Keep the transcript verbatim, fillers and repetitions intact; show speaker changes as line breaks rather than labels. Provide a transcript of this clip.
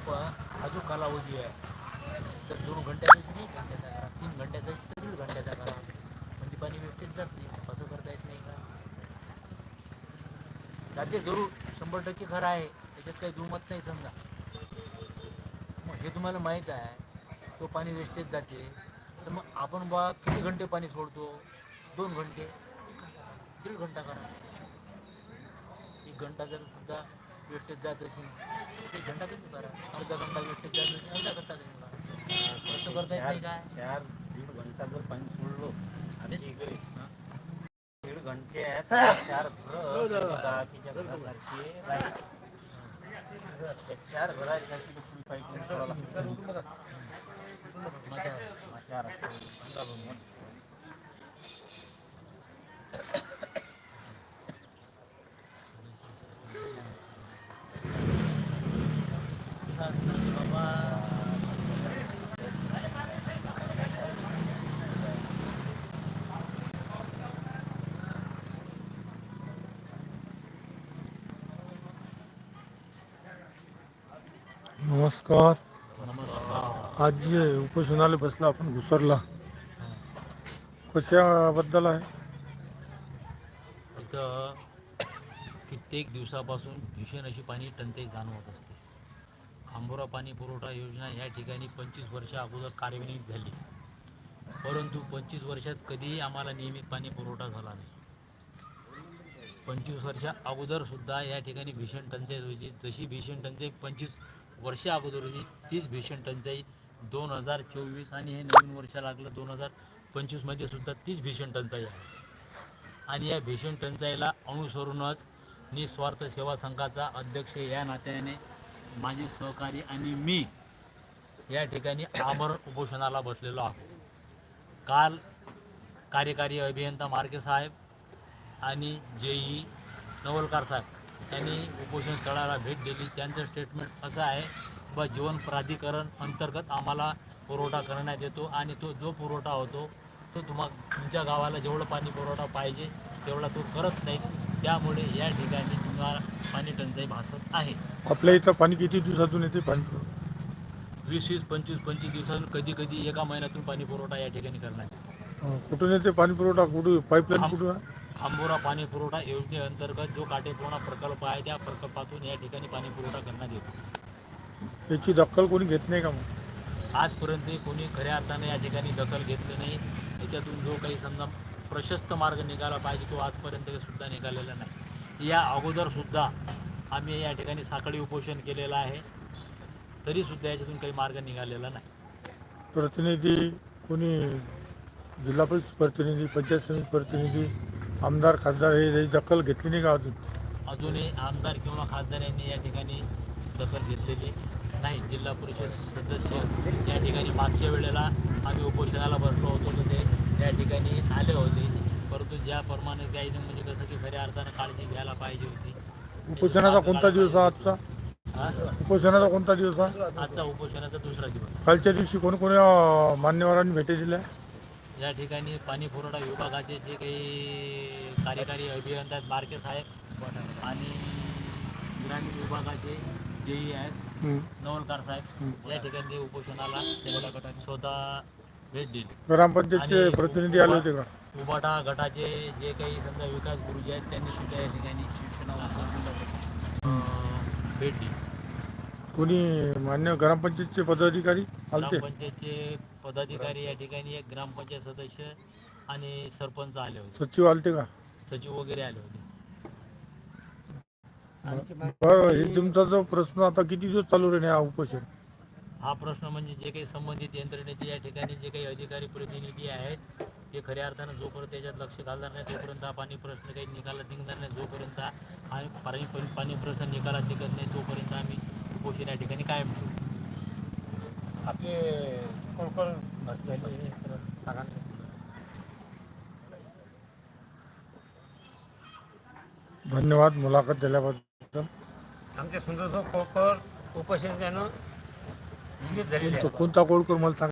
पण हा जो कालावधी आहे तर दोन घंट्याचाच नाही, एक घंट्याचा करा, तीन घंट्याचा तर दीड घंट्याचा करा, म्हणजे पाणी वेस्टेज जात नाही. असं करता येत नाही का? जाते जरूर, शंभर टक्के खरं आहे, त्याच्यात काही दुमत नाही. समजा मग हे तुम्हाला माहीत आहे तो पाणी वेस्टेज जाते, तर मग आपण बा किती घंटे पाणी सोडतो? दोन घंटे, एक घंटा करा, दीड घंटा करा. एक घंटा जर सुद्धा वेस्टेज जात असेल तर एक घंटा कमी करा, अर्धा घंटा वेस्टेज जात असेल अर्धा घंटा कमी करा. असं करता येत नाही काय?
चार दीड घंटा जर पाणी सोडलो आमच्या इकडे
हां
दीड घंटे आहेत, चार बाकीच्या घरासारखे राहील. चार घरासाठी फुल पाईप सोडावं लागतं. चार
बाबा
नमस्कार.
नमस्कार.
आज जे उपोषणाला बसला आपण घुसरला, कशाबद्दल आहे?
इथं कित्येक दिवसापासून भीषण अशी पाणी टंचाई जाणवत असते. खांबोरा पाणी पुरवठा योजना या ठिकाणी पंचवीस वर्षा अगोदर कार्यान्वित झाली, परंतु पंचवीस वर्षात कधीही आम्हाला नियमित पाणी पुरवठा झाला नाही. पंचवीस वर्षा अगोदरसुद्धा या ठिकाणी भीषण टंचाई होती. जशी भीषण टंचाई पंचवीस वर्षा अगोदर होती तीच भीषण टंचाई दोन हजार चोवीस आणि हे नवीन वर्ष लागलं दोन हजार पंचवीसमध्ये सुद्धा तीच भीषण टंचाई आहे. आणि या भीषण टंचाईला अनुसरूनच निस्वार्थ सेवा संघाचा अध्यक्ष या नात्याने माझे सहकारी आणि मी या ठिकाणी आमरण उपोषणाला बसलेलो आहोत. काल कार्यकारी अभियंता मार्के साहेब आणि जेई नवलकार साहेब यांनी उपोषण स्थळाला भेट दिली. त्यांचं स्टेटमेंट असं आहे व जीवन प्राधिकरण अंतर्गत आम्हाला पुरवठा करण्यात येतो आणि तो जो पुरवठा होतो तो तुम्हा तुमच्या गावाला जेवढं पाणी पुरवठा पाहिजे तेवढा तो करत नाही, त्यामुळे या ठिकाणी तुम्हाला पाणी टंचाई भासत आहे.
आपल्या इथं पाणी किती दिवसातून येते? पाणी
वीस वीस पंचवीस पंचवीस दिवसातून कधी कधी एका महिन्यातून पाणी पुरवठा या ठिकाणी करण्यात
अं, कुठून येते पाणी पुरवठा? कुठून पाईपलाईन
खांब
कुठून आहे?
खांबोरा पाणी पुरवठा योजनेअंतर्गत जो काटेपूर्णा प्रकल्प आहे त्या प्रकल्पातून या ठिकाणी पाणी पुरवठा करण्यात येतो.
याची दखल कोणी घेत नाही का मग?
आजपर्यंत कोणी खऱ्या अर्थाने या ठिकाणी दखल घेतली नाही. याच्यातून जो काही समजा प्रशस्त मार्ग निघाला पाहिजे तो आजपर्यंत सुद्धा निघालेला नाही. या अगोदरसुद्धा आम्ही या ठिकाणी साखळी उपोषण केलेलं आहे, तरीसुद्धा याच्यातून काही मार्ग निघालेला नाही.
प्रतिनिधी कोणी, जिल्हा परिषद प्रतिनिधी, पंचायत समिती प्रतिनिधी, आमदार खासदार हे याची दखल घेतली नाही का अजून?
अजूनही आमदार किंवा खासदार यांनी या ठिकाणी दखल घेतलेली नाही. जिल्हा परिषद सदस्य या ठिकाणी मागच्या वेळेला आम्ही उपोषणाला बसलो होतो तर ते या ठिकाणी आले होते, परंतु ज्याप्रमाणे काही म्हणजे कसं की खऱ्या अर्थानं काळजी घ्यायला पाहिजे होती.
उपोषणाचा कोणता दिवस आहे आजचा?
हा?
उपोषणाचा कोणता दिवस आहे?
आजचा उपोषणाचा दुसरा दिवस.
कालच्या दिवशी कोणकोण्या अं, मान्यवरांनी भेटी दिल्या?
या ठिकाणी पाणी पुरवठा विभागाचे जे काही कार्यकारी अभियंता आहेत मार्के साहेब आणि ग्रामीण विभागाचे जेई आहेत
हं.
नवलकार साहेब या ठिकाणी ते उपोषणाला त्यांनी स्वतः भेट दिली.
ग्रामपंचायतचे
आणि
प्रतिनिधी आले होते का?
उबाटा गटाचे जे काही समजा विकास गुरुजी आहेत त्यांनी सुद्धा या ठिकाणी भेट दिली.
कोणी मान्य ग्रामपंचायतचे पदाधिकारी आलते?
ग्रामपंचायतचे पदाधिकारी या ठिकाणी एक ग्रामपंचायत सदस्य आणि सरपंच आले होते,
सचिव आलते का?
सचिव वगैरे आले होते.
बरं, हे तुमचा जो प्रश्न आता किती दिवस चालू राहील हा उपोषण?
हा प्रश्न म्हणजे जे काही संबंधित यंत्रणेचे या ठिकाणी जे काही अधिकारी प्रतिनिधी आहेत ते खऱ्या अर्थानं जोपर्यंत त्याच्यात लक्ष घालणार नाही तोपर्यंत हा पाणी प्रश्न काही निकालात निघणार नाही. जोपर्यंत आम्ही पाणी पाणी प्रश्न निकालात निघत नाही तोपर्यंत आम्ही उपोषण या ठिकाणी कायम ठेवू.
आपले कोण भरती झाली सांगा.
धन्यवाद मुलाखत दिल्याबद्दल.
आमच्या सुंदर कोळकर उपोषण त्यानं झालेले
कोणता कोळकर मला सांगा.